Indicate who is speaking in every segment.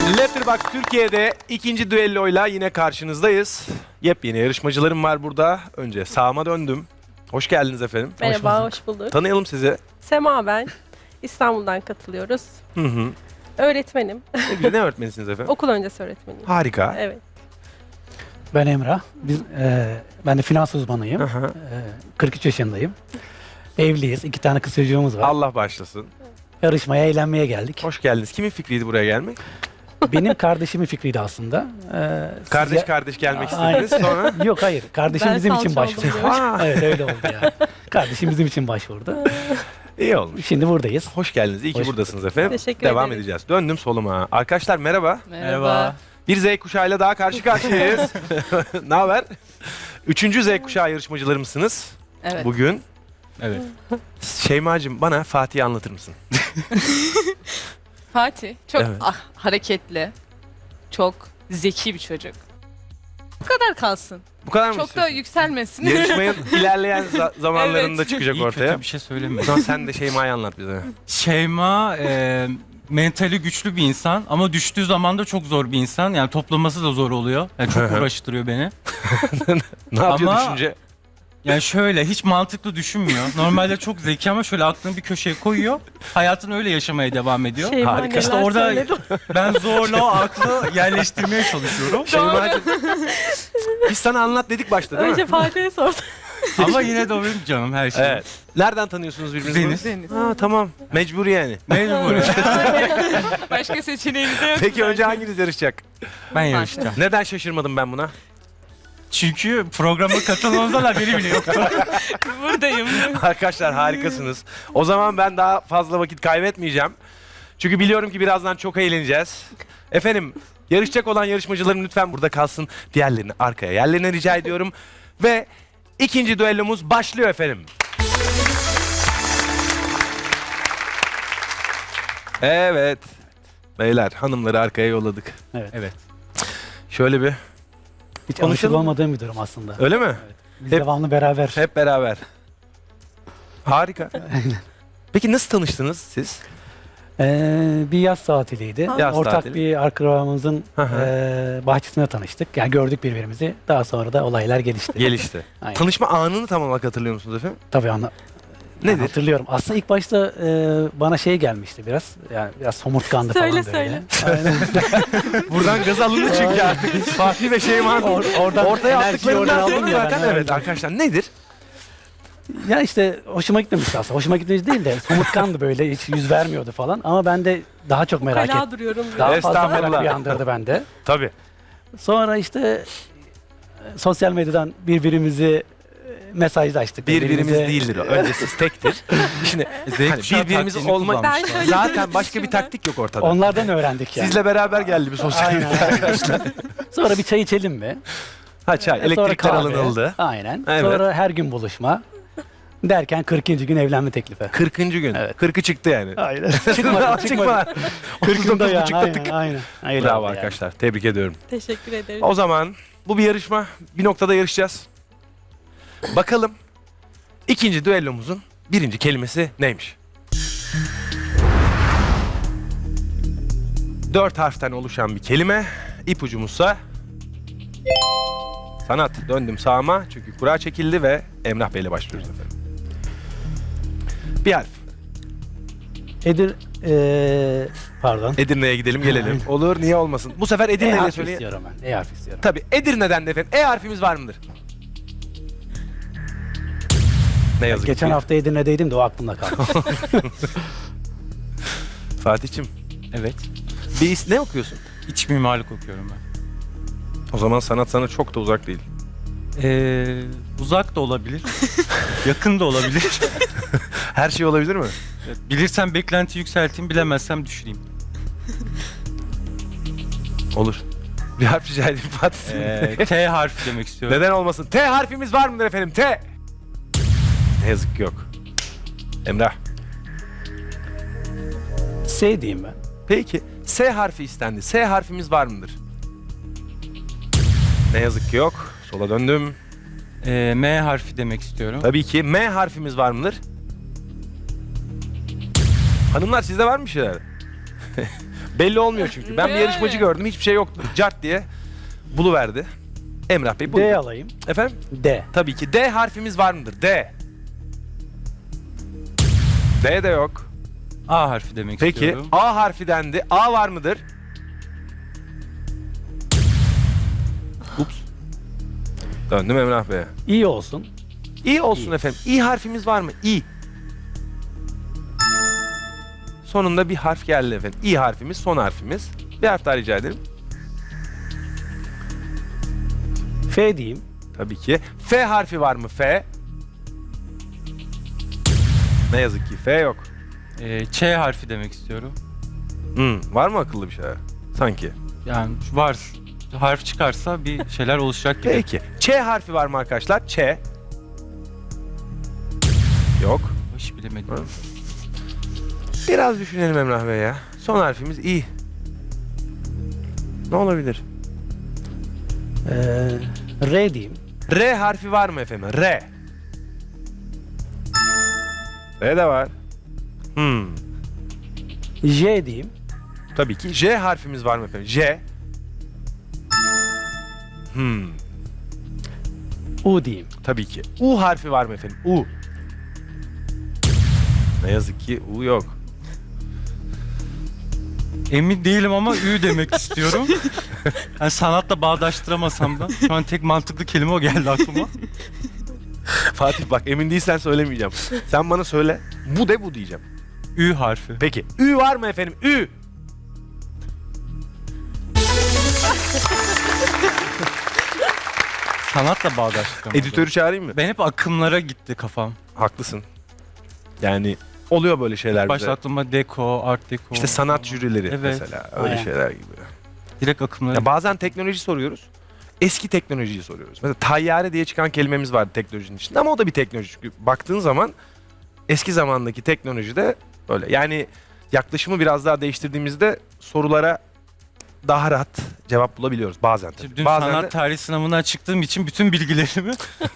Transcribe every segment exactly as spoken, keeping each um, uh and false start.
Speaker 1: Letterboxd Türkiye'de ikinci düelloyla yine karşınızdayız. Yepyeni yarışmacılarım var burada. Önce sağıma döndüm. Hoş geldiniz efendim.
Speaker 2: Merhaba, hoş, hoş bulduk.
Speaker 1: Tanıyalım sizi.
Speaker 2: Sema ben. İstanbul'dan katılıyoruz.
Speaker 1: Hı hı.
Speaker 2: Öğretmenim.
Speaker 1: Ne güzel, ne öğretmenisiniz efendim?
Speaker 2: Okul öncesi öğretmeniyim.
Speaker 1: Harika.
Speaker 2: Evet.
Speaker 3: Ben Emrah. Biz, e, ben de finans uzmanıyım.
Speaker 1: Hı hı.
Speaker 3: E, kırk üç yaşındayım. Evliyiz. İki tane kız çocuğumuz var.
Speaker 1: Allah başlasın.
Speaker 3: Yarışmaya, eğlenmeye geldik.
Speaker 1: Hoş geldiniz. Kimin fikriydi buraya gelmek?
Speaker 3: Benim kardeşimin fikriydi aslında. E, siz
Speaker 1: Kardeş
Speaker 3: ya-
Speaker 1: kardeş gelmek
Speaker 3: Aynen.
Speaker 1: istediniz sonra.
Speaker 3: Yok hayır. Kardeşim
Speaker 2: Ben
Speaker 3: bizim
Speaker 2: salça
Speaker 3: için
Speaker 2: oldum
Speaker 3: başvurdu.
Speaker 2: diyor.
Speaker 1: Aa,
Speaker 3: Evet öyle oldu ya. Kardeşim bizim için başvurdu.
Speaker 1: iyi olmuş.
Speaker 3: Şimdi buradayız.
Speaker 1: Hoş geldiniz. İyi ki
Speaker 3: Hoş
Speaker 1: buradasınız efendim.
Speaker 2: Teşekkür
Speaker 1: Devam
Speaker 2: ederiz.
Speaker 1: edeceğiz. Döndüm soluma. Arkadaşlar merhaba.
Speaker 4: Merhaba.
Speaker 1: Bir Z kuşağıyla daha karşı karşıyayız. Ne haber? Üçüncü Z kuşağı yarışmacılarımsınız
Speaker 4: Evet.
Speaker 1: bugün.
Speaker 4: Evet.
Speaker 1: Şeyma'cığım bana Fatih'i anlatır mısın?
Speaker 4: Fatih çok
Speaker 1: Evet.
Speaker 4: ah, hareketli, çok zeki bir çocuk. Bu kadar kalsın.
Speaker 1: Bu kadar mı
Speaker 4: Çok da
Speaker 1: istiyorsun?
Speaker 4: yükselmesin.
Speaker 1: Yarışmanın ilerleyen za- zamanlarında
Speaker 4: Evet.
Speaker 1: çıkacak
Speaker 5: İyi
Speaker 1: ortaya.
Speaker 5: kötü bir şey
Speaker 1: O
Speaker 5: söyleme.
Speaker 1: zaman sen de Şeyma'yı anlat bize.
Speaker 5: Şeyma e, mentali güçlü bir insan ama düştüğü zaman da çok zor bir insan. Yani toplaması da zor oluyor. Yani çok uğraştırıyor beni.
Speaker 1: Ne yapıyor
Speaker 5: Ama-
Speaker 1: düşünce?
Speaker 5: Yani şöyle hiç mantıklı düşünmüyor. Normalde çok zeki ama şöyle aklını bir köşeye koyuyor. Hayatını öyle yaşamaya devam ediyor.
Speaker 2: Şeyma
Speaker 1: Harika.
Speaker 2: neler
Speaker 5: İşte orada
Speaker 2: söyledi.
Speaker 5: ben zorla o aklı yerleştirmeye çalışıyorum.
Speaker 1: Şeyma'cığım biz sana anlat dedik başta değil
Speaker 2: Önce
Speaker 1: mi?
Speaker 2: Fatih'e sordum.
Speaker 5: Ama yine de o benim canım her şey.
Speaker 1: Evet. Nereden tanıyorsunuz birbirinizi?
Speaker 5: Kuzeniz.
Speaker 4: Deniz.
Speaker 1: Ha tamam. Mecbur yani.
Speaker 5: Mecbur.
Speaker 4: Başka seçeneğimiz de yok.
Speaker 1: Peki önce hanginiz yarışacak?
Speaker 5: Ben yarışacağım.
Speaker 1: Neden şaşırmadım ben buna?
Speaker 5: Çünkü programa katılmamızdan haberi bile yoktu.
Speaker 4: Buradayım.
Speaker 1: Arkadaşlar harikasınız. O zaman ben daha fazla vakit kaybetmeyeceğim. Çünkü biliyorum ki birazdan çok eğleneceğiz. Efendim yarışacak olan yarışmacılarım lütfen burada kalsın. Diğerlerini arkaya yerlerine rica ediyorum. Ve ikinci düellomuz başlıyor efendim. Evet. Beyler hanımları arkaya yolladık.
Speaker 3: Evet.
Speaker 5: Evet.
Speaker 1: Şöyle bir.
Speaker 3: Hiç
Speaker 1: Konuşalım
Speaker 3: alışık
Speaker 1: mı?
Speaker 3: olmadığım bir durum aslında.
Speaker 1: Öyle mi?
Speaker 3: Biz
Speaker 1: Hep-
Speaker 3: devamlı beraber.
Speaker 1: Hep beraber. Harika. Peki nasıl tanıştınız siz?
Speaker 3: Ee, bir yaz tatiliydi.
Speaker 1: Yaz
Speaker 3: Ortak
Speaker 1: tatili.
Speaker 3: bir akrabamızın
Speaker 1: Hı hı.
Speaker 3: e, bahçesinde tanıştık. Yani gördük birbirimizi. Daha sonra da olaylar gelişti.
Speaker 1: Gelişti.
Speaker 3: Aynen.
Speaker 1: Tanışma anını tam olarak hatırlıyor musunuz efendim?
Speaker 3: Tabii anla.
Speaker 1: Nedir?
Speaker 3: Hatırlıyorum. Aslında ilk başta e, bana şey gelmişti biraz. Yani biraz somurtkandı
Speaker 2: Söyle,
Speaker 3: falan böyle.
Speaker 2: söyle.
Speaker 3: Aynen.
Speaker 1: Buradan gaz alındı çünkü artık. Fatih ve Şeyma'nın
Speaker 3: Or- oradan
Speaker 1: ortaya
Speaker 3: enerjiyi oradan
Speaker 1: attıklarından
Speaker 3: aldım
Speaker 1: sonra
Speaker 3: ya
Speaker 1: zaten
Speaker 3: ben,
Speaker 1: evet
Speaker 3: evet.
Speaker 1: arkadaşlar nedir?
Speaker 3: Ya işte hoşuma gitmemişti aslında. Hoşuma gitmemiş değil de somurtkandı böyle. Hiç yüz vermiyordu falan. Ama ben de daha çok merak ettim.
Speaker 2: Kala duruyorum.
Speaker 3: Daha
Speaker 2: diyor.
Speaker 3: fazla merak
Speaker 1: Estağfurullah.
Speaker 3: uyandırdı bende.
Speaker 1: Tabii.
Speaker 3: Sonra işte e, sosyal medyadan birbirimizi e, mesajlaştık.
Speaker 1: Birbirimiz
Speaker 3: Birbirimize-
Speaker 1: değildir o. Önce siz tektir. Şimdi hani
Speaker 5: kuşağı
Speaker 1: birbirimiz
Speaker 5: taktiğini
Speaker 1: olma
Speaker 5: kullanmışlar.
Speaker 2: Ben şöyle
Speaker 1: zaten başka bir
Speaker 2: düşündüm.
Speaker 1: taktik yok ortada.
Speaker 3: Onlardan öğrendik yani.
Speaker 1: Sizle beraber geldi bir sosyal
Speaker 3: Aynen.
Speaker 1: medya arkadaşlar.
Speaker 3: Sonra bir çay içelim mi?
Speaker 1: Ha çay,
Speaker 3: E, sonra
Speaker 1: elektrikler
Speaker 3: kahve.
Speaker 1: alınıldı.
Speaker 3: Aynen.
Speaker 1: Evet.
Speaker 3: Sonra her gün buluşma. Derken kırkıncı gün evlenme teklifi.
Speaker 1: kırkıncı gün.
Speaker 3: Evet.
Speaker 1: kırkı çıktı yani.
Speaker 3: Aynen. çıkmadı, çıkmadı.
Speaker 1: Çıkma.
Speaker 3: kırkında yani.
Speaker 1: buçukta tık.
Speaker 3: Aynen, aynen. Öyle
Speaker 1: Bravo
Speaker 3: oldu yani.
Speaker 1: arkadaşlar. Tebrik ediyorum.
Speaker 2: Teşekkür ederim.
Speaker 1: O zaman bu bir yarışma. Bir noktada yarışacağız. Bakalım ikinci düellomuzun birinci kelimesi neymiş? Dört harften oluşan bir kelime. İpucumuzsa sanat. Döndüm sağıma çünkü kura çekildi ve Emrah Bey ile başlıyoruz efendim. Bir harf.
Speaker 3: Edir, eee pardon.
Speaker 1: Edirne'ye gidelim gelelim. Olur niye olmasın. Bu sefer
Speaker 3: E
Speaker 1: Edirne'yle
Speaker 3: harfi
Speaker 1: söyleyin.
Speaker 3: istiyorum ben. E harfi istiyorum.
Speaker 1: Tabii Edirne'den de efendim. E harfimiz var mıdır? Ne yazık
Speaker 3: Geçen
Speaker 1: ki.
Speaker 3: hafta Edirne'deydim de o aklımda kaldı.
Speaker 1: Fatih'cim
Speaker 5: Evet.
Speaker 1: bir is- ne okuyorsun?
Speaker 5: İç mimarlık okuyorum ben.
Speaker 1: O zaman sanat sana çok da uzak değil.
Speaker 5: Ee, uzak da olabilir. Yakın da olabilir.
Speaker 1: Her şey olabilir mi?
Speaker 5: Evet, bilirsem beklenti yükselteyim, bilemezsem düşüreyim.
Speaker 1: Olur. Bir harf rica edeyim Fatih.
Speaker 5: Ee, T harfi demek istiyorum.
Speaker 1: Neden olmasın? T harfimiz var mıdır efendim? T. Ne yazık ki yok. Emrah.
Speaker 3: S diyeyim ben.
Speaker 1: Peki. S harfi istendi. S harfimiz var mıdır? Ne yazık ki yok. Sola döndüm.
Speaker 5: Ee, M harfi demek istiyorum.
Speaker 1: Tabii ki. M harfimiz var mıdır? Hanımlar sizde var mı bir şeyler? Belli olmuyor çünkü. Ben bir yarışmacı gördüm, hiçbir şey yoktu. Cart diye buluverdi. Emrah Bey
Speaker 3: D
Speaker 1: buyurun.
Speaker 3: alayım.
Speaker 1: Efendim?
Speaker 3: D.
Speaker 1: Tabii ki. D harfimiz var mıdır? D. D de yok.
Speaker 5: A harfi demek
Speaker 1: Peki
Speaker 5: istiyorum.
Speaker 1: A harfi dendi. A var mıdır? Ups. Döndüm Emrah Bey'e.
Speaker 3: İyi olsun.
Speaker 1: İ olsun
Speaker 3: İ.
Speaker 1: efendim. İ harfimiz var mı? İ. Sonunda bir harf geldi efendim. İ harfimiz son harfimiz. Bir harf daha rica ederim.
Speaker 3: F diyeyim.
Speaker 1: Tabii ki. F harfi var mı? F. Ne yazık ki F yok.
Speaker 5: Ee, Ç harfi demek istiyorum.
Speaker 1: Hmm, var mı akıllı bir şey? Sanki.
Speaker 5: Yani var. Harf çıkarsa bir şeyler oluşacak gibi.
Speaker 1: Peki. Ç harfi var mı arkadaşlar? Ç. Yok.
Speaker 5: Hiç bilemedim.
Speaker 1: Hı. Biraz düşünelim Emrah Bey ya. Son harfimiz İ. Ne olabilir?
Speaker 3: Ee, R diyeyim.
Speaker 1: R harfi var mı efendim? R. R de var. Hmm.
Speaker 3: J diyeyim.
Speaker 1: Tabii ki. J harfimiz var mı efendim? J. Hmm.
Speaker 3: U diyeyim.
Speaker 1: Tabii ki. U harfi var mı efendim? U. Ne yazık ki U yok.
Speaker 5: Emin değilim ama Ü demek istiyorum. Yani sanatla bağdaştıramasam da. Şu an tek mantıklı kelime o geldi aklıma.
Speaker 1: Fatih bak emin değilsen söylemeyeceğim. Sen bana söyle. Bu de bu diyeceğim.
Speaker 5: Ü harfi.
Speaker 1: Peki. Ü var mı efendim? Ü.
Speaker 5: Sanatla bağdaştıramadım.
Speaker 1: Editörü çağırayım mı?
Speaker 5: Ben hep akımlara gitti kafam.
Speaker 1: Haklısın. Yani oluyor böyle şeyler
Speaker 5: Başta
Speaker 1: bize.
Speaker 5: aklıma deko, art deko.
Speaker 1: İşte sanat jürileri
Speaker 5: Evet.
Speaker 1: mesela. Öyle
Speaker 3: Aynen.
Speaker 1: şeyler gibi.
Speaker 5: Direkt akımlara
Speaker 1: Ya bazen teknoloji soruyoruz. Eski teknolojiyi soruyoruz. Mesela tayyare diye çıkan kelimemiz vardı teknolojinin içinde ama o da bir teknoloji. Çünkü baktığın zaman eski zamandaki teknoloji de öyle. Yani yaklaşımı biraz daha değiştirdiğimizde sorulara daha rahat cevap bulabiliyoruz bazen tabii.
Speaker 5: Dün
Speaker 1: Bazen
Speaker 5: sanat
Speaker 1: de
Speaker 5: tarihi sınavına çıktığım için bütün bilgilerimi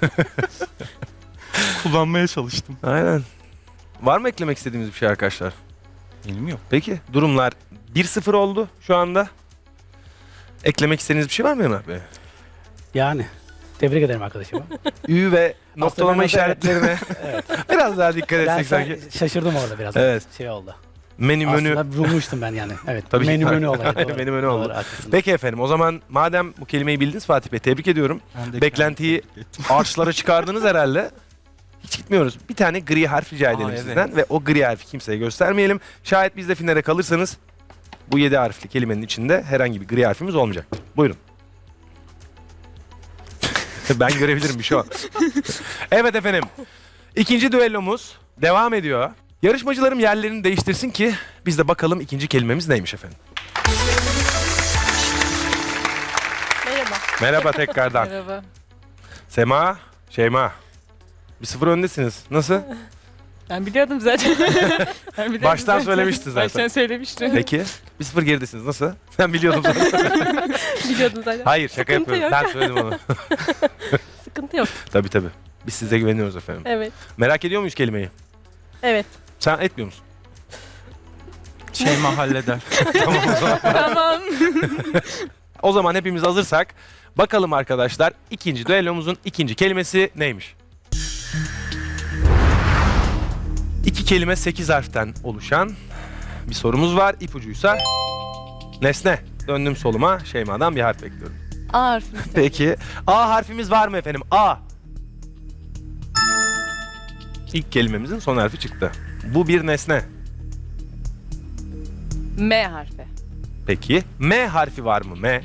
Speaker 5: kullanmaya çalıştım.
Speaker 1: aynen. Var mı eklemek istediğimiz bir şey arkadaşlar?
Speaker 5: Benim yok.
Speaker 1: Peki durumlar bir sıfır oldu şu anda. Eklemek istediğiniz bir şey var mı Emrah Bey?
Speaker 3: Yani. Tebrik ederim arkadaşıma.
Speaker 1: Ü ve noktalama
Speaker 3: ben de-
Speaker 1: işaretlerine
Speaker 3: Evet.
Speaker 1: biraz daha dikkat
Speaker 3: Ben
Speaker 1: etsek sanki.
Speaker 3: sa- şaşırdım orada biraz.
Speaker 1: Evet.
Speaker 3: Şey oldu.
Speaker 1: Menü menü.
Speaker 3: Aslında bulmuştum ben yani. Evet.
Speaker 1: Tabii.
Speaker 3: menü menü olayı.
Speaker 1: Aynen,
Speaker 3: doğru.
Speaker 1: menü menü oldu.
Speaker 3: Doğru, haklısın.
Speaker 1: Peki efendim o zaman madem bu kelimeyi bildiniz Fatih Bey tebrik ediyorum.
Speaker 5: Ben de
Speaker 1: Beklentiyi
Speaker 5: kendimi tebrik ettim.
Speaker 1: Ağaçlara çıkardınız herhalde. Hiç gitmiyoruz. Bir tane gri harf rica edelim
Speaker 5: Aa, evet.
Speaker 1: sizden ve o gri harfi kimseye göstermeyelim. Şayet biz de finale kalırsanız bu yedi harfli kelimenin içinde herhangi bir gri harfimiz olmayacak. Buyurun. Ben görebilirim bir şey o. Evet efendim. İkinci düellomuz devam ediyor. Yarışmacılarım yerlerini değiştirsin ki biz de bakalım ikinci kelimemiz neymiş efendim.
Speaker 2: Merhaba.
Speaker 1: Merhaba tekrardan.
Speaker 4: Merhaba.
Speaker 1: Sema, Şeyma. Bir sıfır öndesiniz. Nasıl?
Speaker 4: Ben biliyordum zaten. Ben biliyordum
Speaker 1: Baştan
Speaker 4: zaten.
Speaker 1: söylemiştin zaten.
Speaker 4: Baştan söylemiştim.
Speaker 1: Peki. Bir sıfır geridesiniz. Nasıl? Ben biliyordum zaten.
Speaker 2: Biliyordum zaten.
Speaker 1: Hayır şaka
Speaker 2: Sıkıntı
Speaker 1: yapıyorum.
Speaker 2: yok.
Speaker 1: Ben söyledim onu.
Speaker 2: Sıkıntı yok.
Speaker 1: Tabii tabii. Biz size güveniyoruz efendim.
Speaker 2: Evet.
Speaker 1: Merak ediyor muyuz kelimeyi?
Speaker 2: Evet.
Speaker 1: Sen etmiyor musun?
Speaker 5: Şey mahalleder.
Speaker 1: Tamam o zaman.
Speaker 4: Tamam.
Speaker 1: O zaman hepimiz hazırsak bakalım arkadaşlar ikinci düellomuzun ikinci kelimesi neymiş? İki kelime sekiz harften oluşan bir sorumuz var. İpucuysa nesne. Döndüm soluma. Şeyma'dan bir harf bekliyorum.
Speaker 4: A harfi.
Speaker 1: Peki. A harfimiz var mı efendim? A. İlk kelimemizin son harfi çıktı. Bu bir nesne.
Speaker 4: M harfi.
Speaker 1: Peki. M harfi var mı? M.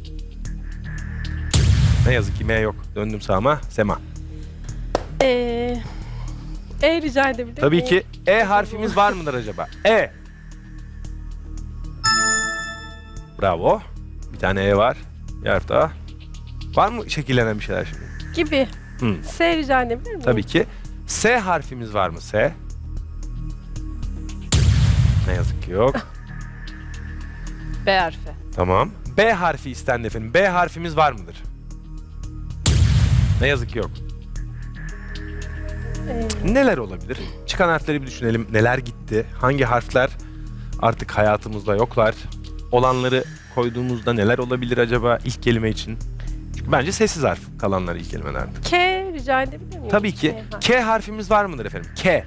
Speaker 1: Ne yazık ki M yok. Döndüm sağıma. Sema.
Speaker 2: Ee, e rica edebilir
Speaker 1: Tabii
Speaker 2: miyim?
Speaker 1: ki E harfimiz var mıdır acaba? E. Bravo. Bir tane E var. Bir harf daha. Var mı şekillenen bir şeyler şimdi?
Speaker 2: Gibi.
Speaker 1: Hı.
Speaker 2: S rica edebilir miyim?
Speaker 1: Tabii ki. S harfimiz var mı? S. Ne yazık ki yok.
Speaker 4: B harfi.
Speaker 1: Tamam. B harfi istendi efendim. B harfimiz var mıdır? Ne yazık ki yok.
Speaker 2: Ee,
Speaker 1: Neler olabilir? Çıkan harfleri bir düşünelim. Neler gitti? Hangi harfler artık hayatımızda yoklar? olanları koyduğumuzda neler olabilir acaba ilk kelime için? Çünkü bence sessiz harf kalanlar ilk kelimelerde.
Speaker 2: K rica edebilir miyim?
Speaker 1: Tabii ki.
Speaker 2: K harfi.
Speaker 1: K harfimiz var mıdır efendim? K.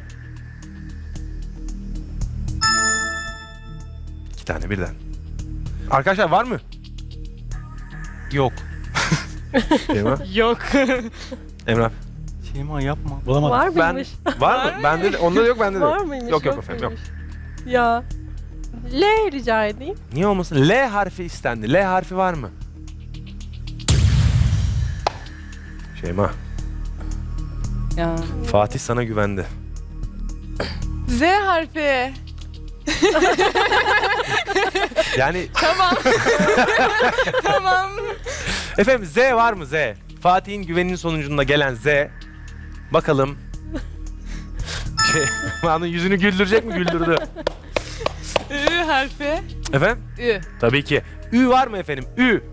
Speaker 1: İki tane birden. Arkadaşlar var mı?
Speaker 5: Yok.
Speaker 1: Şeyma.
Speaker 4: Yok.
Speaker 1: Emrah.
Speaker 5: Şeyma yapma.
Speaker 3: Bulamadım.
Speaker 2: Var
Speaker 1: Ben
Speaker 2: mıymış?
Speaker 1: var mı? Bende de, onda da yok, bende de
Speaker 2: Var
Speaker 1: yok.
Speaker 2: mıymış?
Speaker 1: Yok yok efendim yok.
Speaker 2: muymuş? Ya. L rica edeyim.
Speaker 1: Niye olmasın? L harfi istendi. L harfi var mı? Şeyma.
Speaker 4: Ya.
Speaker 1: Fatih sana güvendi.
Speaker 4: Z harfi.
Speaker 1: Yani
Speaker 4: Tamam. Tamam.
Speaker 1: efendim Z var mı Z? Fatih'in güveninin sonucunda gelen Z. Bakalım. Şey, Şeyma'nın yüzünü güldürecek mi? Güldürdü.
Speaker 4: Ü harfi.
Speaker 1: Efendim?
Speaker 4: Ü.
Speaker 1: Tabii ki. Ü var mı efendim? Ü.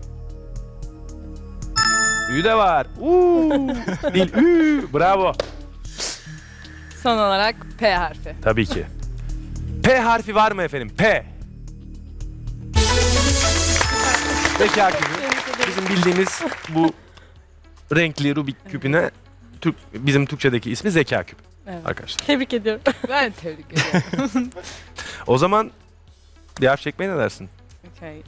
Speaker 1: Ü de var. Uuu. Değil. Ü. Bravo.
Speaker 4: Son olarak P harfi.
Speaker 1: Tabii ki. P harfi var mı efendim? P. Zeka küpü. Bizim bildiğimiz bu renkli Rubik küpüne Türk, bizim Türkçedeki ismi zeka küpü
Speaker 4: Evet.
Speaker 1: arkadaşlar.
Speaker 2: Tebrik ediyorum.
Speaker 4: Ben tebrik ediyorum.
Speaker 1: O zaman bir harf çekmeye ne dersin?
Speaker 4: Okay.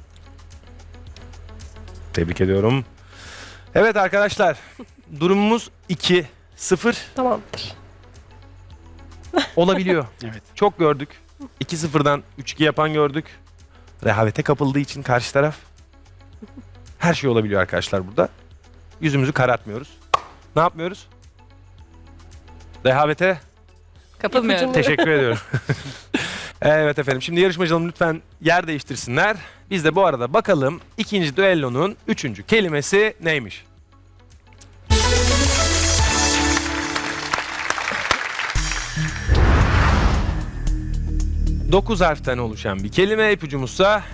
Speaker 1: Tebrik ediyorum. Evet arkadaşlar. Durumumuz iki sıfır
Speaker 2: Tamamdır.
Speaker 1: olabiliyor.
Speaker 3: Evet.
Speaker 1: Çok gördük. iki sıfırdan üç iki yapan gördük. Rehavete kapıldığı için karşı taraf. Her şey olabiliyor arkadaşlar burada. Yüzümüzü karartmıyoruz. Ne yapmıyoruz? Rehavete
Speaker 4: Kapılmıyorum.
Speaker 2: İpucunu-
Speaker 1: teşekkür ediyorum. Evet efendim. Şimdi yarışmacılarım lütfen yer değiştirsinler. Biz de bu arada bakalım ikinci düellonun üçüncü kelimesi neymiş? Dokuz harften oluşan bir kelime, ipucumuzsa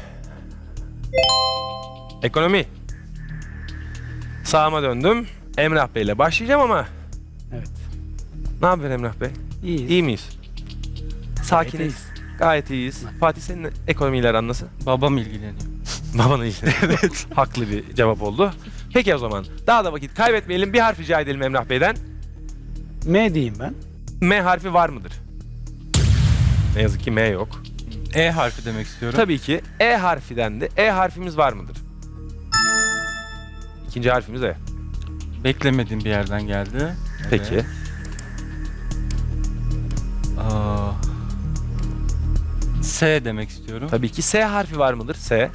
Speaker 1: ekonomi. Sağıma döndüm. Emrah Bey ile başlayacağım ama
Speaker 3: Evet.
Speaker 1: ne haber Emrah Bey?
Speaker 3: İyi.
Speaker 1: İyi miyiz? Sakiniz.
Speaker 3: iyiyiz.
Speaker 1: Gayet iyiyiz. Fatih senin ekonomiyle aran nasıl?
Speaker 5: Babam ilgileniyor.
Speaker 1: Babanın iyi. Evet. Haklı bir cevap oldu. Peki o zaman daha da vakit kaybetmeyelim. Bir harf rica edelim Emrah Bey'den.
Speaker 3: M diyeyim ben.
Speaker 1: M harfi var mıdır? Ne yazık ki M yok.
Speaker 5: E harfi demek istiyorum.
Speaker 1: Tabii ki E harfi dendi. E harfimiz var mıdır? İkinci harfimiz E.
Speaker 5: Beklemediğim bir yerden geldi.
Speaker 1: Peki.
Speaker 5: Evet. Aa, S demek istiyorum.
Speaker 1: Tabii ki S harfi var mıdır? S.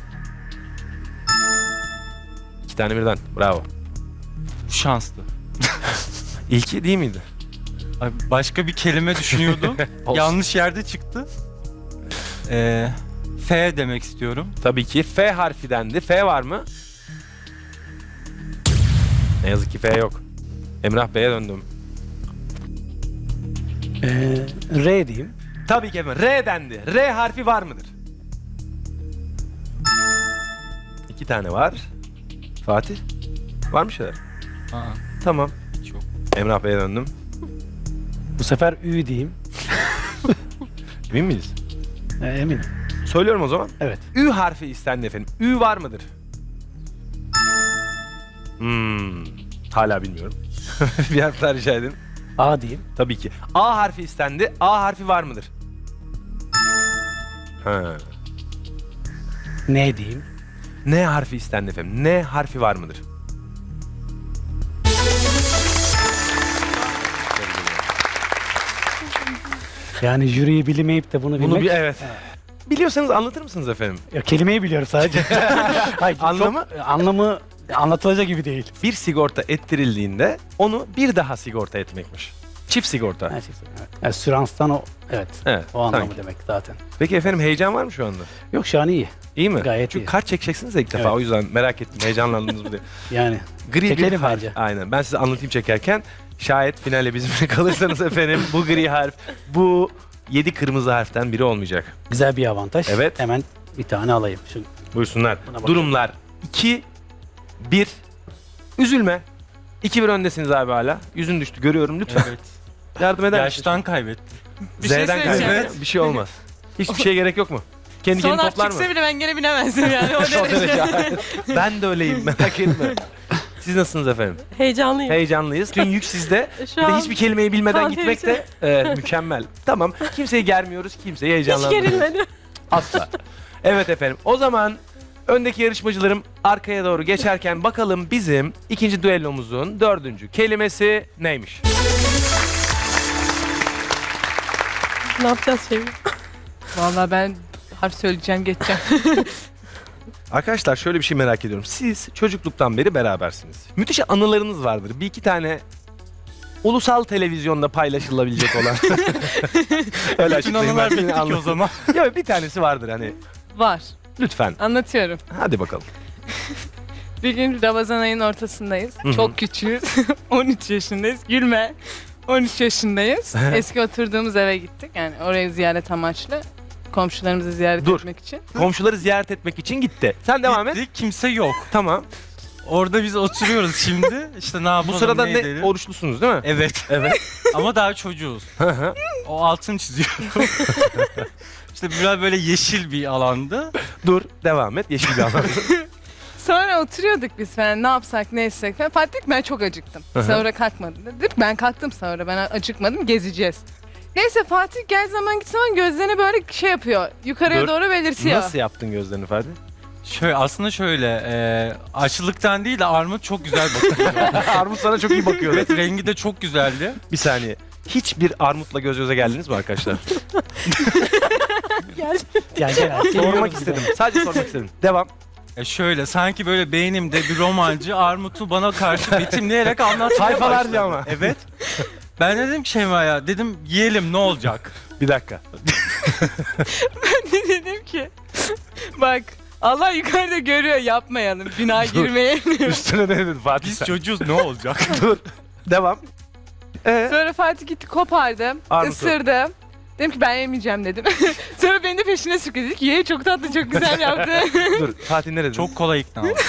Speaker 1: İki tane birden. Bravo.
Speaker 5: Şanslı.
Speaker 1: İlki değil miydi?
Speaker 5: Ay, başka bir kelime düşünüyordum.
Speaker 1: Olsun.
Speaker 5: Yanlış yerde çıktı. Ee, F demek istiyorum.
Speaker 1: Tabii ki F harfi dendi. F var mı? Ne yazık ki F yok. Emrah Bey'e döndüm.
Speaker 3: Ee, R diyeyim.
Speaker 1: Tabii ki efendim. R dendi. R harfi var mıdır? İki tane var. Fatih? Var mı şeyler?
Speaker 5: Aa,
Speaker 1: Tamam.
Speaker 5: hiç yok.
Speaker 1: Emrah Bey'e döndüm.
Speaker 3: Bu sefer Ü diyeyim.
Speaker 1: Emin miyiz?
Speaker 3: Ee, eminim.
Speaker 1: Söylüyorum o zaman.
Speaker 3: Evet.
Speaker 1: Ü harfi istendi efendim. Ü var mıdır? Hmm. Hala bilmiyorum. Bir harf daha rica edin.
Speaker 3: A diyeyim.
Speaker 1: Tabii ki. A harfi istendi. A harfi var mıdır? Ha.
Speaker 3: N diyeyim.
Speaker 1: N harfi istendi efendim. N harfi var mıdır?
Speaker 3: Yani jüriyi bilmeyip de bunu bilmek.
Speaker 1: Bunu bir evet. Biliyorsanız anlatır mısınız efendim?
Speaker 3: Ya, kelimeyi biliyorum sadece. Hayır,
Speaker 1: Anlamı?
Speaker 3: Çok, anlamı anlatılacak gibi değil.
Speaker 1: Bir sigorta ettirildiğinde onu bir daha sigorta etmekmiş. Çift sigorta.
Speaker 3: Her şey evet. Yani süranstan o evet.
Speaker 1: Evet.
Speaker 3: O anlamı
Speaker 1: sanki.
Speaker 3: demek zaten.
Speaker 1: Peki efendim heyecan var mı şu anda?
Speaker 3: Yok şu an iyi.
Speaker 1: İyi mi?
Speaker 3: Gayet
Speaker 1: Çünkü
Speaker 3: iyi.
Speaker 1: kart çekeceksiniz ya ilk defa
Speaker 3: Evet.
Speaker 1: o yüzden merak ettim heyecanlandınız mı diye.
Speaker 3: Yani
Speaker 1: Gri bir
Speaker 3: Çekelim
Speaker 1: harf.
Speaker 3: bence.
Speaker 1: Aynen. Ben size anlatayım çekerken. Şayet finale bizimle kalırsanız efendim bu gri harf, bu yedi kırmızı harften biri olmayacak.
Speaker 3: güzel bir avantaj.
Speaker 1: Evet.
Speaker 3: Hemen bir tane alayım. Şu,
Speaker 1: Buyursunlar.
Speaker 3: Buna bakıyorum.
Speaker 1: Durumlar iki bir. Üzülme. iki bir öndesiniz abi hala. Yüzün düştü görüyorum lütfen.
Speaker 5: Evet.
Speaker 1: Yardım eder misin?
Speaker 5: Yaştan kaybettim.
Speaker 4: Bir şey
Speaker 1: Z'den
Speaker 4: söyleyeceğim.
Speaker 1: kaybeder. Bir şey olmaz. Hiçbir şeye gerek yok mu? Kendi
Speaker 4: Son
Speaker 1: kendini
Speaker 4: harf
Speaker 1: toplar mı?
Speaker 4: çıksa bile ben gene binemezdim yani o
Speaker 1: O derece,
Speaker 4: derece.
Speaker 1: aynen. Ben de öyleyim, merak etme. Siz nasılsınız efendim?
Speaker 2: Heyecanlıyım.
Speaker 1: Heyecanlıyız. Tüm yük sizde.
Speaker 2: Şu
Speaker 1: Bir de
Speaker 2: an
Speaker 1: hiçbir kelimeyi bilmeden
Speaker 2: kan
Speaker 1: gitmek de e, mükemmel. Tamam. Kimseyi germiyoruz, kimseyi
Speaker 2: hiç
Speaker 1: heyecanlandırmıyoruz.
Speaker 2: gerilmedim.
Speaker 1: Asla. Evet efendim. O zaman öndeki yarışmacılarım arkaya doğru geçerken bakalım bizim ikinci düellomuzun dördüncü kelimesi neymiş?
Speaker 2: Ne yapacağız şimdi?
Speaker 4: Vallahi ben harf söyleyeceğim geçeceğim.
Speaker 1: Arkadaşlar şöyle bir şey merak ediyorum. Siz çocukluktan beri berabersiniz. Müthiş anılarınız vardır. Bir iki tane ulusal televizyonda paylaşılabilecek olan. Öyle
Speaker 5: Bütün
Speaker 1: açıklayayım
Speaker 5: anılar
Speaker 1: ben.
Speaker 5: bitti ki o
Speaker 1: Anla-
Speaker 5: zaman.
Speaker 1: Ya bir tanesi vardır hani.
Speaker 4: Var.
Speaker 1: Lütfen.
Speaker 4: Anlatıyorum.
Speaker 1: Hadi bakalım.
Speaker 4: Bir gün Ramazan ayının ortasındayız.
Speaker 1: Hı hı.
Speaker 4: Çok küçüğüz. on üç yaşındayız. Gülme. on üç yaşındayız. Eski oturduğumuz eve gittik. Yani orayı ziyaret amaçlı. Komşularımızı ziyaret
Speaker 1: Dur.
Speaker 4: etmek için.
Speaker 1: Komşuları ziyaret etmek için gitti. Sen devam et.
Speaker 5: Gittik, kimse yok.
Speaker 1: Tamam.
Speaker 5: Orada biz oturuyoruz şimdi. İşte ne yapalım,
Speaker 1: Bu sırada
Speaker 5: ne
Speaker 1: ne
Speaker 5: edelim?
Speaker 1: oruçlusunuz değil mi?
Speaker 5: Evet.
Speaker 1: Evet.
Speaker 5: Ama daha çocuğuz. O altını çiziyorum. İşte biraz böyle yeşil bir alandı.
Speaker 1: Dur, devam et. Yeşil bir alan.
Speaker 4: Sonra oturuyorduk biz falan ne yapsak ne etsek falan. Fatih ben çok acıktım.
Speaker 1: Hı hı.
Speaker 4: Sahura kalkmadım dedik. Ben kalktım sahura ben acıkmadım gezeceğiz. Neyse Fatih gel zaman git zaman gözlerini böyle şey yapıyor. Yukarıya
Speaker 1: Dur.
Speaker 4: doğru belirtiyor.
Speaker 1: Nasıl yaptın gözlerini Ferdi?
Speaker 5: Şöyle aslında şöyle e, açlıktan değil de armut çok güzel bakıyor.
Speaker 1: Armut sana çok iyi bakıyor.
Speaker 5: Evet, rengi de çok güzeldi.
Speaker 1: Bir saniye. Hiçbir armutla göz göze geldiniz mi arkadaşlar?
Speaker 2: Gel.
Speaker 3: Yani genel
Speaker 1: Sormak istedim. Sadece sormak istedim. Devam.
Speaker 5: E şöyle sanki böyle beynimde bir romancı armutu bana karşı betimleyerek anlatmaya
Speaker 1: Sayfalarca
Speaker 5: başladı.
Speaker 1: ama.
Speaker 5: Evet. Ben dedim ki Şeyma'ya dedim yiyelim ne olacak?
Speaker 1: Bir dakika.
Speaker 4: Dedim ki bak Allah yukarıda görüyor yapmayalım. Bina girmeyelim.
Speaker 1: Üstüne ne dedin Fatih
Speaker 5: Biz
Speaker 1: sen?
Speaker 5: çocuğuz ne olacak?
Speaker 1: Dur. Devam. Ee,
Speaker 4: Sonra Fatih gitti kopardı.
Speaker 1: Armutu.
Speaker 4: Isırdı. Dedim ki ben yemeyeceğim dedim. Sonra beni de peşine sürükledi. Dedik ki ye çok tatlı çok güzel yaptı.
Speaker 1: dur. Fatih ne dedin?
Speaker 5: Çok kolay ikna oldu.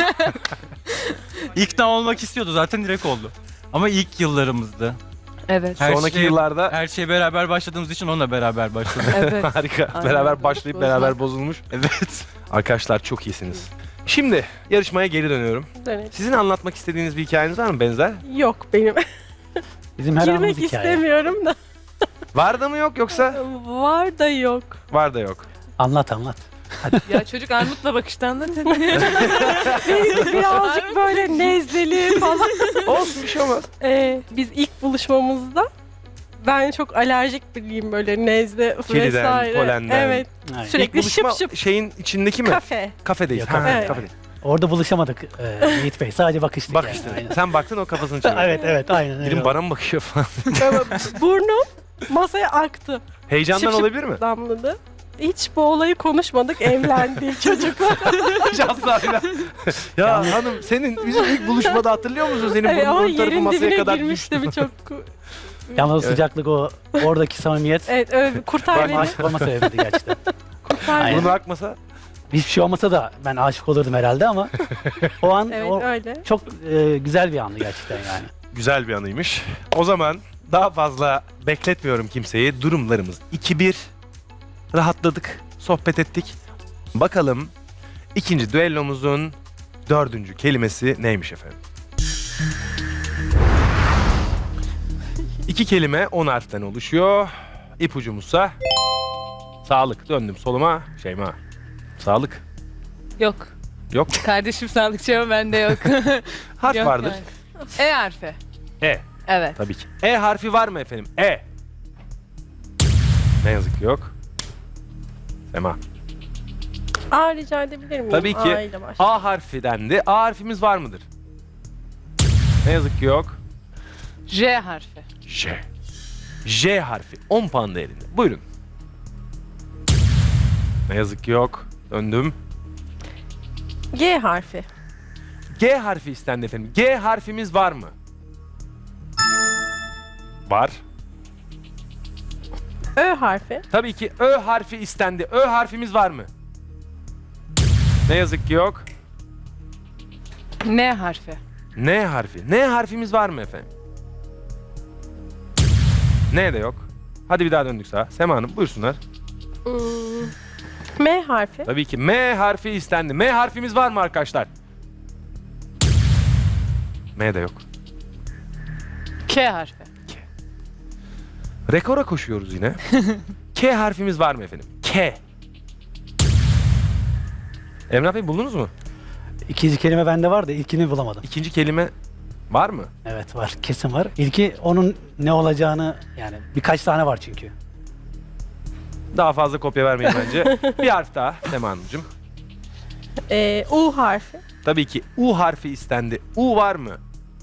Speaker 5: İkna olmak istiyordu zaten direkt oldu. Ama ilk yıllarımızdı.
Speaker 4: Evet.
Speaker 5: Her
Speaker 1: Sonraki
Speaker 5: şey-
Speaker 1: yıllarda
Speaker 5: Her şeye beraber başladığımız için onunla beraber başladık.
Speaker 4: Evet.
Speaker 1: harika.
Speaker 4: Aynen.
Speaker 1: Beraber başlayıp
Speaker 4: Bozmak.
Speaker 1: beraber bozulmuş.
Speaker 5: Evet.
Speaker 1: Arkadaşlar çok iyisiniz. Şimdi yarışmaya geri dönüyorum.
Speaker 2: Dönelim.
Speaker 1: Sizin anlatmak istediğiniz bir hikayeniz var mı benzer?
Speaker 2: Yok benim.
Speaker 3: Bizim her anımız
Speaker 2: Girmek
Speaker 3: hikaye.
Speaker 2: istemiyorum da.
Speaker 1: Var da mı yok yoksa?
Speaker 2: Var da yok.
Speaker 1: Var da yok.
Speaker 3: Anlat anlat.
Speaker 4: Ya çocuk armutla bakıştan anlatıyor.
Speaker 2: Birazcık böyle nezleli falan.
Speaker 1: Olsun bir şey olmaz.
Speaker 2: Ee, biz ilk buluşmamızda ben çok alerjik biriyim böyle nezle
Speaker 1: Keliden,
Speaker 2: vesaire.
Speaker 1: polenden.
Speaker 2: Evet.
Speaker 3: Aynen.
Speaker 2: Sürekli
Speaker 1: İlk buluşma
Speaker 2: şıp şıp.
Speaker 1: şeyin içindeki mi?
Speaker 2: Kafe.
Speaker 1: Kafedeyiz.
Speaker 3: Yok,
Speaker 1: Ha,
Speaker 3: kafe.
Speaker 2: Evet.
Speaker 1: kafedeyiz.
Speaker 3: Orada buluşamadık e, Yiğit Bey. Sadece bakıştık.
Speaker 1: Bakıştın.
Speaker 3: Yani. Aynen.
Speaker 1: Sen baktın o kafasını çevirdi.
Speaker 3: Evet evet aynen öyle.
Speaker 1: Dedim
Speaker 3: oldu.
Speaker 1: bana mı bakıyor falan.
Speaker 2: Böyle burnum masaya aktı.
Speaker 1: Heyecandan
Speaker 2: Şıp şıp
Speaker 1: olabilir mi?
Speaker 2: damladı. Hiç bu olayı konuşmadık. Evlendik çocuklar.
Speaker 1: Şanslarıyla. Ya hanım senin bizim ilk buluşmada hatırlıyor musun? Senin
Speaker 2: Evet, ama
Speaker 1: burnun ön tarafı
Speaker 2: yerin
Speaker 1: masaya
Speaker 2: dibine
Speaker 1: kadar
Speaker 2: girmişti
Speaker 1: düştü.
Speaker 2: bir çok.
Speaker 3: Yalnız o
Speaker 1: Evet.
Speaker 3: sıcaklık o oradaki samimiyet
Speaker 2: Evet öyle bir kurtar
Speaker 1: Bak,
Speaker 2: beni.
Speaker 3: aşık olma sebebiydi gerçekten.
Speaker 2: Kurtar
Speaker 3: Aynen.
Speaker 2: beni.
Speaker 1: Burnu akmasa
Speaker 3: Hiçbir şey olmasa da ben aşık olurdum herhalde ama o an
Speaker 2: Evet
Speaker 3: o
Speaker 2: öyle.
Speaker 3: çok e, güzel bir andı gerçekten yani.
Speaker 1: güzel bir anıymış. O zaman daha fazla bekletmiyorum kimseyi. Durumlarımız iki bir. Rahatladık, sohbet ettik. Bakalım ikinci düellomuzun dördüncü kelimesi neymiş efendim? İki kelime on harften oluşuyor. İpucumuzsa sağlık. Döndüm soluma. Şeyma. Sağlık.
Speaker 4: Yok.
Speaker 1: Yok.
Speaker 4: Kardeşim sağlıkçı ama bende yok.
Speaker 1: Harf
Speaker 4: Yok
Speaker 1: vardır.
Speaker 4: yani. E harfi.
Speaker 1: E.
Speaker 4: Evet.
Speaker 1: Tabii ki. E harfi var mı efendim? E. Ne yazık ki yok. Sema.
Speaker 2: A rica edebilir miyim?
Speaker 1: Tabii ki.
Speaker 2: A ile başla.
Speaker 1: A harfi dendi. A harfimiz var mıdır? Ne yazık ki yok.
Speaker 4: J harfi.
Speaker 1: J. J harfi. on puan değerinde. Buyurun. Ne yazık ki yok. Döndüm.
Speaker 2: G harfi.
Speaker 1: G harfi istendi efendim. G harfimiz var mı? Var.
Speaker 2: Ö harfi.
Speaker 1: Tabii ki Ö harfi istendi. Ö harfimiz var mı? Ne yazık ki yok.
Speaker 4: N harfi.
Speaker 1: N harfi. N harfimiz var mı efendim? N de yok. Hadi bir daha döndük sağa. Sema Hanım buyursunlar.
Speaker 2: Hmm, M harfi.
Speaker 1: Tabii ki M harfi istendi. M harfimiz var mı arkadaşlar? M de yok.
Speaker 4: K harfi.
Speaker 1: Rekora koşuyoruz yine. K harfimiz var mı efendim? K. Emrah Bey buldunuz mu?
Speaker 3: İkinci kelime bende var da ilkini bulamadım.
Speaker 1: İkinci kelime var mı?
Speaker 3: Evet var, kesin var. İlki onun ne olacağını, yani birkaç tane var çünkü.
Speaker 1: Daha fazla kopya vermeyin bence. Bir harf daha Sema Hanımcığım.
Speaker 2: Ee, U harfi.
Speaker 1: Tabii ki U harfi istendi. U var mı?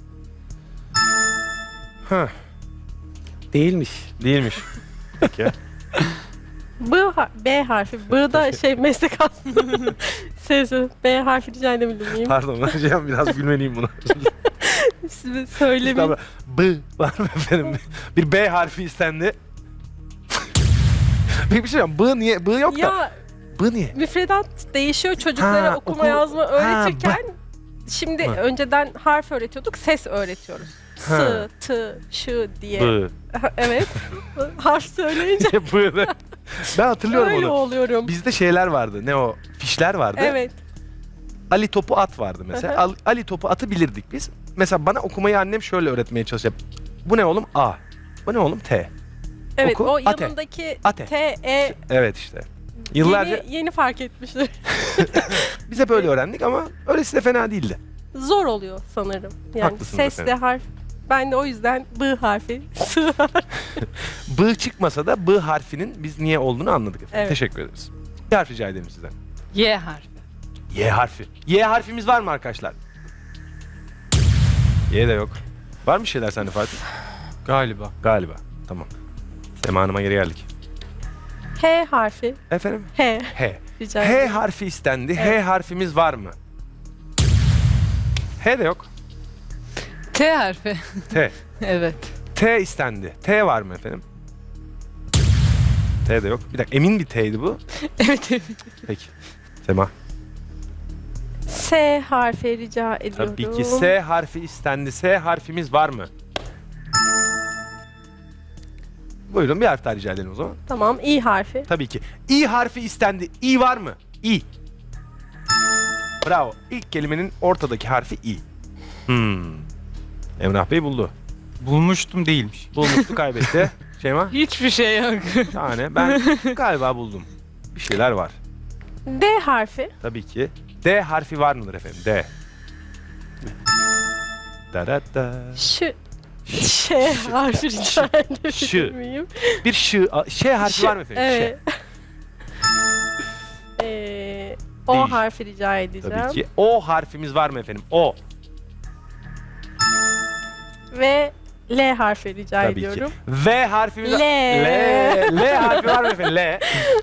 Speaker 1: Heh,
Speaker 3: Değilmiş.
Speaker 1: değilmiş. Peki.
Speaker 2: B, har- B harfi. B da şey meslek aslında. Sesi. B harfi rica edebilir miyim?
Speaker 1: Pardon hocam biraz gülmeliyim buna.
Speaker 2: Size söylemeyeyim.
Speaker 1: Tamam. B var mı efendim? Bir B harfi istendi. Peki bir şey diyeceğim. B niye? B yok da.
Speaker 2: Ya
Speaker 1: B niye?
Speaker 2: müfredat değişiyor çocuklara
Speaker 1: Ha,
Speaker 2: okuma
Speaker 1: okul-
Speaker 2: yazma
Speaker 1: Ha,
Speaker 2: öğretirken. Şimdi
Speaker 1: Ha.
Speaker 2: önceden harf öğretiyorduk, ses öğretiyoruz. S,
Speaker 1: Ha.
Speaker 2: T, Ş diye.
Speaker 1: B.
Speaker 2: Evet. Harf söyleyince
Speaker 1: B de. Ben hatırlıyorum
Speaker 2: öyle
Speaker 1: onu.
Speaker 2: oluyorum.
Speaker 1: Bizde şeyler vardı. Ne o? Fişler vardı.
Speaker 2: Evet.
Speaker 1: Ali topu at vardı mesela.
Speaker 2: Hı hı.
Speaker 1: Al- Ali topu atı bilirdik biz. Mesela bana okumayı annem şöyle öğretmeye çalışıyor. Bu ne oğlum? A. Bu ne oğlum? T.
Speaker 2: Evet,
Speaker 1: Oku,
Speaker 2: o
Speaker 1: ate.
Speaker 2: yanındaki
Speaker 1: Ate.
Speaker 2: T, E
Speaker 1: Evet işte. Yıllarca
Speaker 2: yeni, yeni fark etmişler.
Speaker 1: biz hep öyle öğrendik ama öylesi de fena değildi.
Speaker 2: Zor oluyor sanırım. Yani
Speaker 1: Haklısınız
Speaker 2: sesle
Speaker 1: efendim.
Speaker 2: harf. Ben de o yüzden B harfi, S harfi.
Speaker 1: B çıkmasa da B harfinin biz niye olduğunu anladık efendim.
Speaker 2: Evet.
Speaker 1: Teşekkür ederiz. Bir harf rica ederim sizden.
Speaker 4: Y harfi.
Speaker 1: Y harfi. Y harfimiz var mı arkadaşlar? Y de yok. Var mı şeyler sende Fatih?
Speaker 5: Galiba.
Speaker 1: Galiba. Tamam. Sema Hanım'a geri geldik.
Speaker 2: H harfi.
Speaker 1: Efendim?
Speaker 2: H.
Speaker 1: H.
Speaker 2: Rica
Speaker 1: H
Speaker 2: ederim.
Speaker 1: harfi istendi. H
Speaker 2: Evet.
Speaker 1: harfimiz var mı? H de yok.
Speaker 4: T harfi.
Speaker 1: T.
Speaker 4: Evet.
Speaker 1: T istendi. T var mı efendim? T de yok. Bir dakika emin bir T'ydi bu.
Speaker 4: Evet evet.
Speaker 1: Peki. Sema.
Speaker 2: S harfi rica ediyorum.
Speaker 1: Tabii ki S harfi istendi. S harfimiz var mı? Buyurun bir harf daha rica edelim o zaman.
Speaker 2: Tamam, İ harfi.
Speaker 1: Tabii ki. İ harfi istendi. İ var mı? İ. Bravo. İlk kelimenin ortadaki harfi İ. Hmm. Emrah Bey buldu.
Speaker 5: Bulmuştum, değilmiş.
Speaker 1: Bulmuştu kaybetti. Şeyma?
Speaker 4: Hiçbir şey yok.
Speaker 1: Yani ben galiba buldum. Bir şeyler var.
Speaker 2: D harfi.
Speaker 1: Tabii ki. D harfi var mıdır efendim? D. Da da da.
Speaker 2: Ş. Ş harfi rica edebilir
Speaker 1: Ş.
Speaker 2: miyim?
Speaker 1: Bir ş, ş harfi
Speaker 2: Ş-
Speaker 1: var mı efendim?
Speaker 2: Evet. Ee, o
Speaker 1: Değil.
Speaker 2: harfi rica
Speaker 1: Ş.
Speaker 2: edeceğim.
Speaker 1: Tabii ki. O harfimiz var mı efendim? O.
Speaker 2: Ve L harfi rica
Speaker 1: Tabii
Speaker 2: ediyorum.
Speaker 1: ki. V harfimiz
Speaker 2: L.
Speaker 1: L. L harfi var mı efendim? L.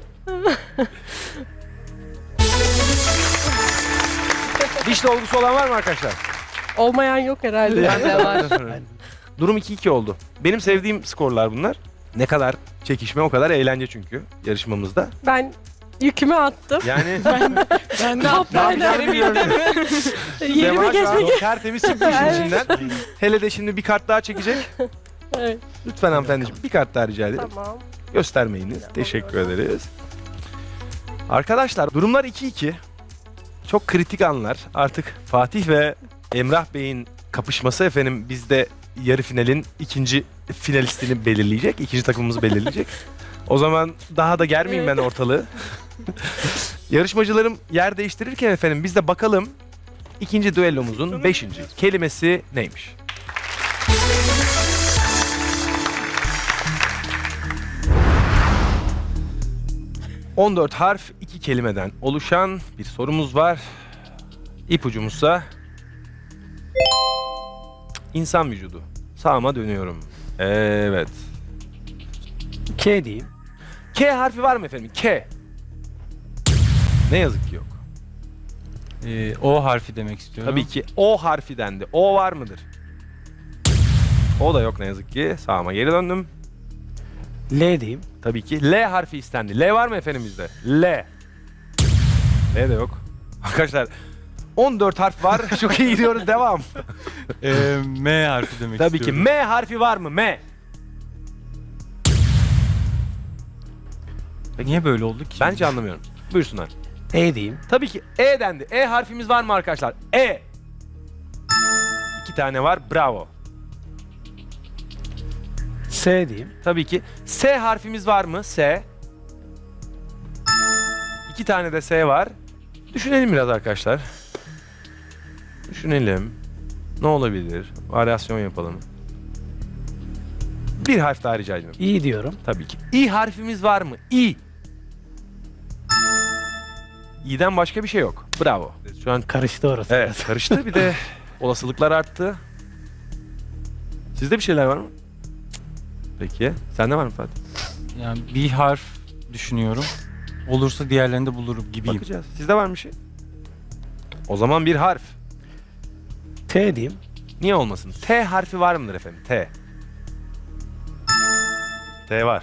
Speaker 1: Diş dolgusu olan var mı arkadaşlar?
Speaker 2: Olmayan yok herhalde.
Speaker 4: Bende var.
Speaker 1: Durum iki iki oldu. Benim sevdiğim skorlar bunlar. Ne kadar çekişme o kadar eğlence çünkü yarışmamızda.
Speaker 2: Ben yükümü attım.
Speaker 1: Yani
Speaker 4: Ben de
Speaker 2: Kaptanlar
Speaker 1: Sema
Speaker 2: Yerime
Speaker 1: şu an
Speaker 2: geçmek.
Speaker 1: tertemiz çıktı işin içinden. Hele de şimdi bir kart daha çekecek.
Speaker 2: Evet,
Speaker 1: Lütfen hanımefendiciğim bir kart daha rica ederim.
Speaker 2: tamam.
Speaker 1: Göstermeyiniz. Teşekkür ederiz. Arkadaşlar durumlar iki iki. Çok kritik anlar. Artık Fatih ve Emrah Bey'in kapışması efendim bizde yarı finalin ikinci finalistini belirleyecek. İkinci takımımızı belirleyecek. O zaman daha da germeyeyim ben ortalığı. Yarışmacılarım yer değiştirirken efendim biz de bakalım ikinci düellomuzun beşinci kelimesi neymiş? on dört harf iki kelimeden oluşan bir sorumuz var. İpucumuzsa insan vücudu. Sağıma dönüyorum. Evet.
Speaker 3: K diyeyim.
Speaker 1: K harfi var mı efendim? K. Ne yazık ki yok.
Speaker 5: Ee, o harfi demek istiyorum.
Speaker 1: Tabii ki O harfi dendi. O var mıdır? O da yok ne yazık ki. Sağıma geri döndüm.
Speaker 3: L diyeyim.
Speaker 1: Tabii ki L harfi istendi. L var mı efendim bizde? L. L de yok. Arkadaşlar on dört harf var. Çok iyi gidiyoruz. Devam.
Speaker 5: Ee, M harfi demek
Speaker 1: Tabii ki
Speaker 5: istiyorum.
Speaker 1: M harfi var mı? M.
Speaker 5: Niye böyle oldu ki?
Speaker 1: Bence anlamıyorum. Buyursunlar.
Speaker 3: E diyeyim.
Speaker 1: Tabii ki E dendi. E harfimiz var mı arkadaşlar? E. İki tane var. Bravo.
Speaker 3: S diyeyim.
Speaker 1: Tabii ki. S harfimiz var mı? S. İki tane de S var. Düşünelim biraz arkadaşlar. Düşünelim. Ne olabilir? Varyasyon yapalım. Bir harf daha rica ediyorum.
Speaker 3: İ diyorum.
Speaker 1: Tabii ki. İ harfimiz var mı? İ. İ'den başka bir şey yok. Bravo. Şu an
Speaker 3: Karıştı orası.
Speaker 1: evet
Speaker 3: biraz.
Speaker 1: karıştı. Bir de olasılıklar arttı. Sizde bir şeyler var mı? Peki. Sende var mı Fatih?
Speaker 5: Yani bir harf düşünüyorum. Olursa diğerlerini de bulurum gibiyim.
Speaker 1: Bakacağız. Sizde var mı bir şey? O zaman bir harf.
Speaker 3: T diyeyim.
Speaker 1: Niye olmasın? T harfi var mıdır efendim? T. T var.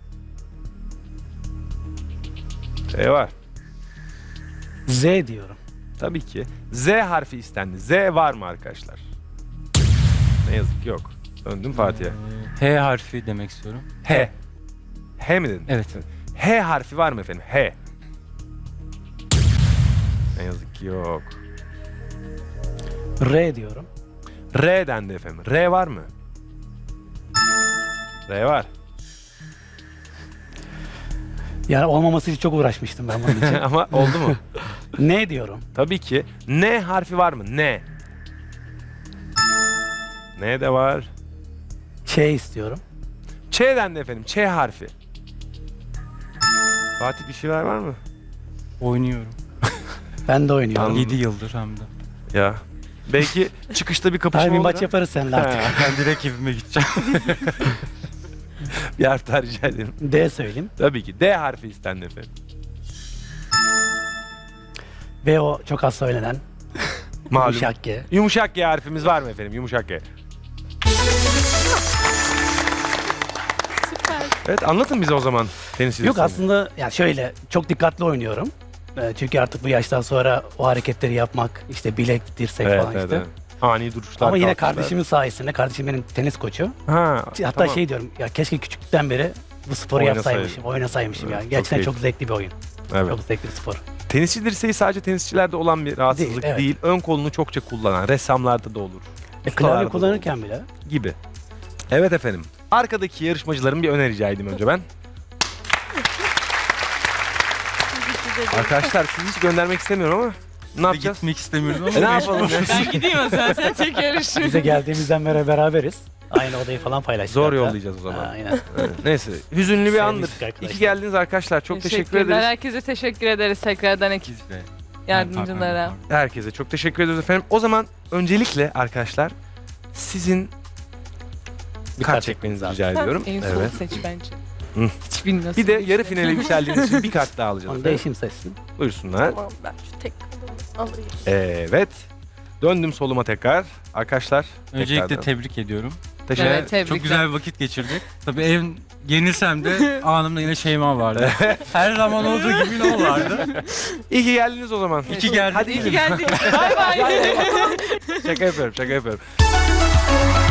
Speaker 1: T var.
Speaker 3: Z diyorum.
Speaker 1: Tabii ki. Z harfi istendi. Z var mı arkadaşlar? Ne yazık ki yok. Döndüm Fatih'e.
Speaker 5: H harfi demek istiyorum.
Speaker 1: H. H mi dedin?
Speaker 5: Evet.
Speaker 1: H harfi var mı efendim? H. Ne yazık ki yok.
Speaker 3: R diyorum.
Speaker 1: R dendi efendim. R var mı? R var.
Speaker 3: Yani olmaması için çok uğraşmıştım ben bunun için.
Speaker 1: Ama oldu mu?
Speaker 3: N diyorum.
Speaker 1: Tabii ki. N harfi var mı? N. N de var.
Speaker 3: Ç istiyorum.
Speaker 1: Ç dendi efendim. Ç harfi. Fatih bir şeyler var mı?
Speaker 5: Oynuyorum.
Speaker 3: Ben de oynuyorum.
Speaker 1: Anladım.
Speaker 5: yedi yıldır hem de.
Speaker 1: Ya. Belki çıkışta bir kapışma
Speaker 3: Tabii bir
Speaker 1: olur.
Speaker 3: maç
Speaker 1: ha?
Speaker 3: yaparız seninle artık.
Speaker 1: Ha,
Speaker 5: Ben direkt evime gideceğim.
Speaker 1: bir harf daha rica ederim.
Speaker 3: D söyleyeyim.
Speaker 1: Tabii ki. D harfi istendi efendim.
Speaker 3: Ve o çok az söylenen.
Speaker 1: Malum.
Speaker 3: Yumuşak G.
Speaker 1: Yumuşak G harfimiz var mı efendim? Yumuşak G.
Speaker 2: Süper.
Speaker 1: Evet anlatın bize o zaman tenis
Speaker 3: Yok
Speaker 1: liresini.
Speaker 3: aslında yani şöyle çok dikkatli oynuyorum. Ee, çünkü artık bu yaştan sonra o hareketleri yapmak, işte bilek, dirsek
Speaker 1: Evet,
Speaker 3: falan
Speaker 1: evet,
Speaker 3: işte.
Speaker 1: evet. Ani duruşlar.
Speaker 3: Ama yine
Speaker 1: kalkışlar.
Speaker 3: kardeşimin sayesinde, kardeşim benim tenis koçu.
Speaker 1: Ha,
Speaker 3: Hatta
Speaker 1: tamam.
Speaker 3: şey diyorum, ya keşke küçüklükten beri bu sporu
Speaker 1: Oynasaydım.
Speaker 3: yapsaymışım, oynasaymışım
Speaker 1: Evet,
Speaker 3: yani.
Speaker 1: çok
Speaker 3: Gerçekten
Speaker 1: keyifli.
Speaker 3: çok zevkli bir oyun.
Speaker 1: Evet.
Speaker 3: Çok zevkli bir spor.
Speaker 1: Tenisçi dirseği sadece tenisçilerde olan bir rahatsızlık
Speaker 3: Değil,
Speaker 1: değil,
Speaker 3: evet.
Speaker 1: Ön kolunu çokça kullanan, ressamlarda da olur.
Speaker 3: E,
Speaker 1: Ustalarda
Speaker 3: klavye
Speaker 1: da
Speaker 3: kullanırken bile.
Speaker 1: olur gibi. Evet efendim. Arkadaki yarışmacıların bir öneri rica edeyim önce ben. Arkadaşlar sizi hiç göndermek istemiyorum ama ne yapacağız?
Speaker 5: Gitmek istemiyorum ama.
Speaker 1: E, ne yapalım ya?
Speaker 4: Ben gideyim o zaman sen tek yarış.
Speaker 3: Bize geldiğimizden beri beraberiz. Aynı odayı falan paylaştık.
Speaker 1: Zor
Speaker 3: hatta.
Speaker 1: yollayacağız o zaman.
Speaker 3: Ha, aynen.
Speaker 1: Evet, neyse. Hüzünlü bir
Speaker 3: Sevmiştik
Speaker 1: andır.
Speaker 3: arkadaşlar.
Speaker 1: İyi ki geldiniz arkadaşlar. Çok teşekkür
Speaker 4: Teşekkürler.
Speaker 1: ederiz.
Speaker 4: Herkese teşekkür ederiz tekrardan ekip
Speaker 5: Biz de.
Speaker 4: yardımcılara.
Speaker 1: Herkese çok teşekkür ediyoruz efendim. O zaman öncelikle arkadaşlar sizin bir kart
Speaker 3: kart
Speaker 1: çekmenizi
Speaker 3: çekmeniz
Speaker 1: rica ediyorum.
Speaker 4: En son
Speaker 1: Evet.
Speaker 4: seç bence.
Speaker 1: Hı.
Speaker 4: Hiç bilmiyorsun.
Speaker 1: Bir de yarı finale yükseldiğiniz için bir kart daha alacağız.
Speaker 3: Onu
Speaker 1: efendim.
Speaker 3: değişim seçsin.
Speaker 1: Buyursunlar.
Speaker 2: Tamam ben şu tek kalemi alayım.
Speaker 1: Evet. Döndüm soluma tekrar. Arkadaşlar.
Speaker 5: Öncelikle
Speaker 1: tekrardan.
Speaker 5: tebrik ediyorum.
Speaker 1: Teşekkür
Speaker 4: Evet, tebrikler.
Speaker 5: Çok güzel bir vakit geçirdik. Tabii ev yenilsem de anımda yine Şeyma vardı. Her zaman olduğu gibi ne o vardı.
Speaker 1: İyi ki geldiniz o zaman.
Speaker 5: İki geldi.
Speaker 1: Hadi
Speaker 4: İyi ki
Speaker 1: gidin.
Speaker 4: geldik. Bay bay.
Speaker 1: Şaka yapıyorum, şaka yapıyorum.